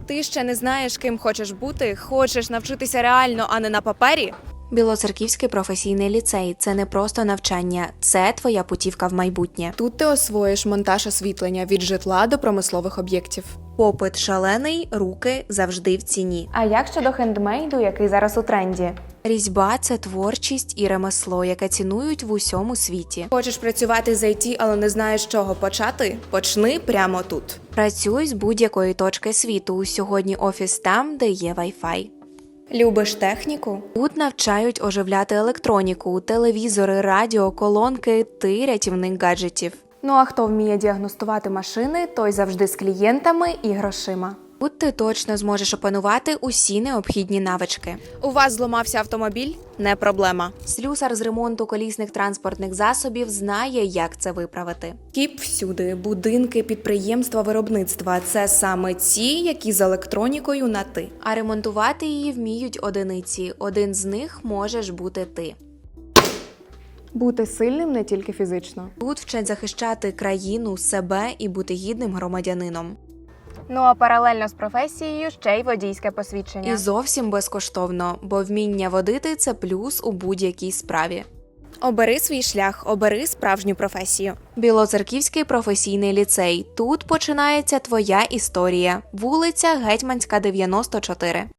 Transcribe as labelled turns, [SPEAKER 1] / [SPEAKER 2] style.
[SPEAKER 1] Ти ще не знаєш, ким хочеш бути, хочеш навчитися реально, а не на папері?
[SPEAKER 2] Білоцерківський професійний ліцей – це не просто навчання, це твоя путівка в майбутнє.
[SPEAKER 1] Тут ти освоїш монтаж освітлення від житла до промислових об'єктів.
[SPEAKER 2] Попит шалений, руки завжди в ціні.
[SPEAKER 1] А як щодо хендмейду, який зараз у тренді?
[SPEAKER 2] Різьба – це творчість і ремесло, яке цінують в усьому світі.
[SPEAKER 1] Хочеш працювати з IT, але не знаєш, з чого почати? Почни прямо тут.
[SPEAKER 2] Працюй з будь-якої точки світу. Сьогодні офіс там, де є Wi-Fi.
[SPEAKER 1] Любиш техніку?
[SPEAKER 2] Тут навчають оживляти електроніку, телевізори, радіо, колонки, ти рятівник гаджетів.
[SPEAKER 1] Ну а хто вміє діагностувати машини, той завжди з клієнтами і грошима.
[SPEAKER 2] Тут ти точно зможеш опанувати усі необхідні навички.
[SPEAKER 1] У вас зламався автомобіль? Не проблема.
[SPEAKER 2] Слюсар з ремонту колісних транспортних засобів знає, як це виправити.
[SPEAKER 1] Кіп всюди, будинки, підприємства, виробництва – це саме ті, які з електронікою на «ти».
[SPEAKER 2] А ремонтувати її вміють одиниці. Один з них можеш бути ти.
[SPEAKER 1] Бути сильним не тільки фізично.
[SPEAKER 2] Тут вчать захищати країну, себе і бути гідним громадянином.
[SPEAKER 1] Ну а паралельно з професією ще й водійське посвідчення.
[SPEAKER 2] І зовсім безкоштовно, бо вміння водити – це плюс у будь-якій справі.
[SPEAKER 1] Обери свій шлях, обери справжню професію.
[SPEAKER 2] Білоцерківський професійний ліцей. Тут починається твоя історія. Вулиця Гетьманська, 94.